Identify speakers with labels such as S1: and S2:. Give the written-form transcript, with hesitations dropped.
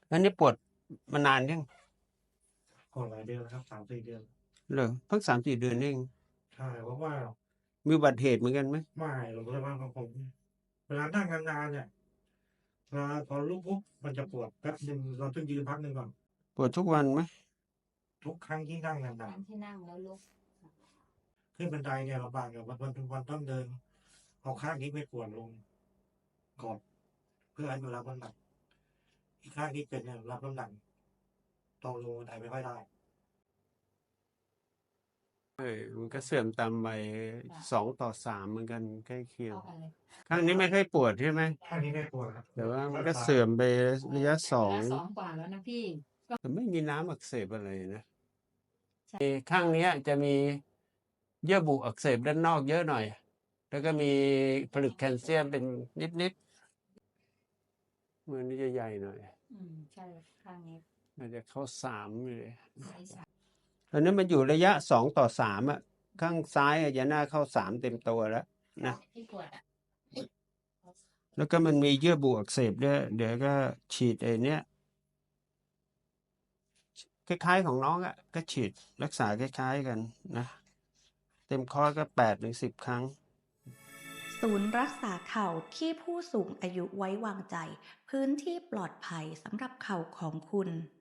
S1: อันนี้ปวดมานานยัง
S2: ปวดหลายเดือนแล้วครับ3-4 เดือน
S1: เหรอเพิ่ง3-4 เดือนเอง
S2: ใช่เพราะว่า
S1: มีอุบัติเหตุเหมือนกันไหม
S2: ไม่หรอกเลยว่าของผมเวลานั่งนานๆเนี่ยเวลาพอลุกปุ๊บมันจะปวดแป๊บหนึ่งเราต้องยืนพักหนึ่งก่อน
S1: ปวดทุกวันไหม
S2: ทุกครั้งที่นั่งนาน
S3: ที่นั่งแล้วลุก
S2: ๆขึ้นบันไดเนี่ยลำบากอยู่วันต้องเดินเอาข้างนี้ไปปวดลงก่อนเพื่อให้มันรับน้ำหนักอีกข้างที่เป็นเนี่ยรับน้ำหนักตรงลงบันไดไม่ค่อยได้
S1: มันก็เสื่อมตามวัย2:3เหมือนกันใกล้เคียง
S3: เข้ากันเลย
S1: ข้างนี้ไม่ค่อยปวดใช่ไหม
S2: ข้างนี้ไม่ปวดครับ
S1: แต่ว่ามันก็เสื่อมไประยะสอง
S3: แล้ว2 กว่าแล้วนะพี่
S1: แต่ไม่มีน้ำอักเสบอะไรนะ
S3: ใช่
S1: ข้างเนี้ยจะมีเยื่อบุอักเสบด้านนอกเยอะหน่อย แล้วก็มีผลึกแคลเซียมเป็นนิดๆมือนี้จะใหญ่หน่อย
S3: ใช่ข้างนี้
S1: อาจจะเข้า3เลย
S3: ใช่ใช่
S1: ตอนนี้มันอยู่ระยะ2:3อ่ะ ข้างซ้ายอาจจะน่าเข้า3เต็มตัวแล้วนะ
S3: ที่ปวดอ่ะ
S1: แล้วก็มันมีเยื่อบุอักเสบด้วยเดี๋ยวก็ฉีดไอ้เนี้ยคล้ายๆของน้องอ่ะก็ฉีดรักษาคล้ายๆกันนะ เต็มคอร์สก็8-10 ครั้ง
S4: ศูนย์รักษาเข่าที่ผู้สูงอายุไว้วางใจ พื้นที่ปลอดภัยสำหรับเข่าของคุณ